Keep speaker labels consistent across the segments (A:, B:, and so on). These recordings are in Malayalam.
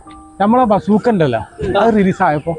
A: നമ്മളെ ബസൂക്ക ഉണ്ടല്ലോ അത് റിലീസ് ആയപ്പോ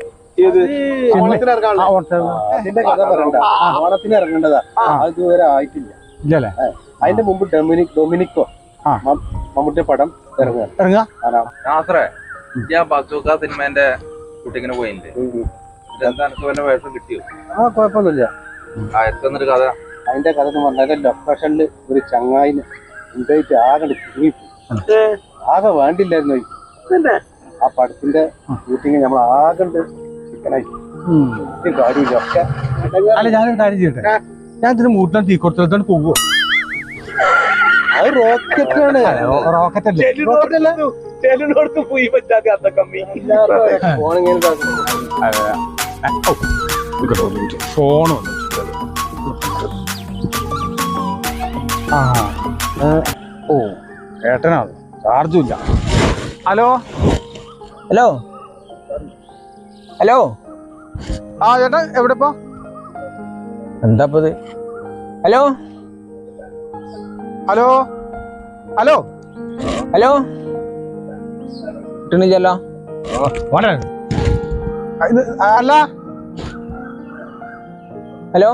B: അതിന്റെ കഥ പറയണ്ട ഓണത്തിന് ഇറങ്ങേണ്ടതാ അത് ഇതുവരെ ആയിട്ടില്ല
A: ഇല്ലല്ലേ
B: അതിന്റെ മുമ്പ് ഡൊമിനിക്കോ മമ്മൂട്ടിയുടെ പടം
A: ഇറങ്ങാ
C: ഞാൻ ബസൂക്ക സിനിമേന്റെ ഷൂട്ടിങ്ങിന് പോയിട്ടുണ്ട്. എന്താ എനിക്ക് വല്ല വേഷം കിട്ടിയോ?
B: കുഴപ്പമൊന്നുമില്ല.
C: എത്തുന്നൊരു കഥ
B: അതിന്റെ കഥ എന്ന് പറഞ്ഞാൽ ലൊക്കേഷനില് ഒരു ചങ്ങായിന് ഉണ്ടായിട്ട് ആകെ ആകെ വേണ്ടില്ലായിരുന്നു ആ പടത്തിന്റെ ഷൂട്ടിങ് നമ്മൾ ആകെ ചിക്കനായി കാര്യമില്ല ഒക്കെ.
A: അല്ല ഞാനൊരു കാര്യം ചെയ്യട്ടെ, ഞാൻ ഇതിന് മൂട്ടിനെ തീ കൊടുത്തോണ്ട് പോവോ?
B: അത് റോക്കറ്റാണ്.
A: റോക്കറ്റ് അല്ലേ? ഫോണ് ഓ ഏട്ടനാണ്, ചാർജും ഇല്ല. ഹലോ
D: ഹലോ ഹലോ
A: ആ ചേട്ടാ എവിടെ ഇപ്പൊ?
D: എന്താ ഹലോ
A: ഹലോ ഹലോ
D: ഹലോ കിട്ടണില്ലല്ലോ.
A: ഇത് അല്ല
D: ഹലോ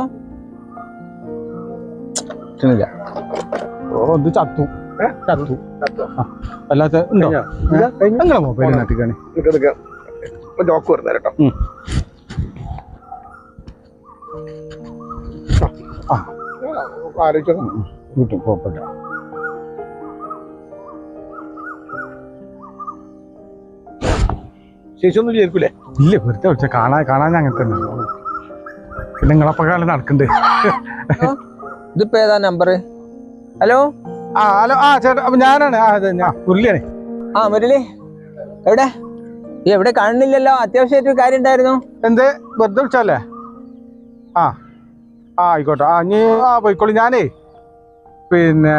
D: കിട്ടണില്ല.
A: ഓ ഇത് ചത്തു ചത്തു. അല്ലാത്ത ഉണ്ടോ നിങ്ങളെ മൊബൈൽ നാട്ടിക്കാണ്
B: ലോക്ക് വരുന്ന കേട്ടോ. ആലോചിച്ചോ
A: കിട്ടും, കുഴപ്പമില്ല.
B: ശേഷിയൊന്നും വിചാരിക്കൂലേ?
A: ഇല്ല വെറുതെ വിളിച്ച കാണാൻ അങ്ങനെ തന്നെ. പിന്നെ നിങ്ങളപ്പോ കാലം നടക്കണ്ട്.
D: ഇതിപ്പോ ഏതാ നമ്പർ? ഹലോ
A: ആ ഹലോ ആ ചേട്ടാ അപ്പൊ ഞാനാണ്. അതെ ഞാൻ മുരളിയാണ്.
D: ആ മുരളി എവിടെ? എവിടെ കാണുന്നില്ലല്ലോ. അത്യാവശ്യമായിട്ടൊരു കാര്യം ഉണ്ടായിരുന്നു.
A: എന്ത് വെറുതെ വിളിച്ചല്ലേ? ആ ആ ആയിക്കോട്ടെ. ആ നീ പോയിക്കോളൂ. ഞാനേ പിന്നെ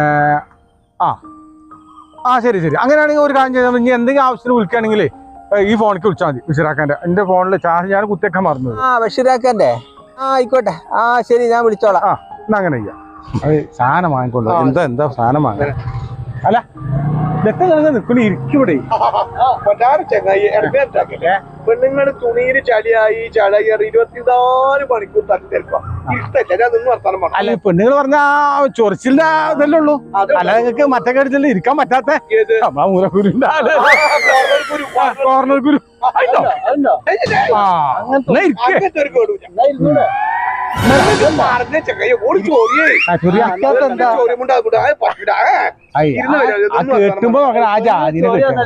A: ആ ശരി ശരി. അങ്ങനെയാണെങ്കിൽ ഒരു കാര്യം ചെയ്താൽ ഇനി എന്തെങ്കിലും ആവശ്യത്തിന് വിളിക്കുകയാണെങ്കിലേ ഈ ഫോണിലേക്ക് വിളിച്ചാൽ മതി. ബഷീറാക്കാൻ്റെ എൻ്റെ ഫോണിൽ ചാർജ് ഞാൻ കുത്തിയൊക്കെ മറന്നത്.
D: ആ ബഷീറാക്കാൻ്റെ ആയിക്കോട്ടെ. ആ ശരി ഞാൻ വിളിച്ചോളാം.
A: ആ എന്നാ അങ്ങനെ ചെയ്യാം. അത് സാധനം വാങ്ങിക്കൊള്ളു. എന്താ സാധനം വാങ്ങാൻ? അല്ല ഇതൊക്കെ നിൽക്കണേ ഇരിക്കൂടെ
B: ചങ്ങായി പെണ്ണുങ്ങള് തുണിയിൽ ചളിയായി 24 മണിക്കൂർ തട്ടിത്തെടുക്കാം.
A: അല്ല പെണ്ണുങ്ങൾ പറഞ്ഞാ ചൊറിച്ചിലിന്റെ ഇതല്ലേ ഉള്ളൂ. അല്ല നിങ്ങൾക്ക് മറ്റേ കാര്യത്തില് ഇരിക്കാൻ പറ്റാത്ത നമ്മളാ മൂലക്കുരുണ്ട് കോർണർ കുരു. കേട്ടുമ്പോ നോക്കണം ആ ജാതിനെ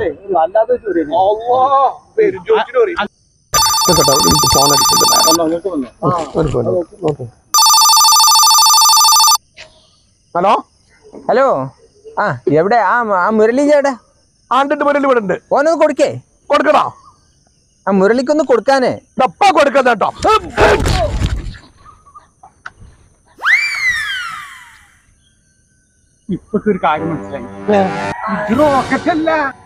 A: ഹലോ
D: ഹലോ ആ എവിടെ? ആ മുരളി എവിടെ?
B: മുരളി ഇവിടെ ഉണ്ട്.
D: ഓനൊന്ന് കൊടുക്കേ.
B: കൊടുക്കണോ?
D: ആ മുരളിക്കൊന്ന് കൊടുക്കാനേ.
B: ഡപ്പാ കൊടുക്കാ കേട്ടോ.
A: ഇപ്പൊക്കെ ഒരു കാര്യം മനസ്സിലായി. ഇത് റോക്കറ്റല്ല.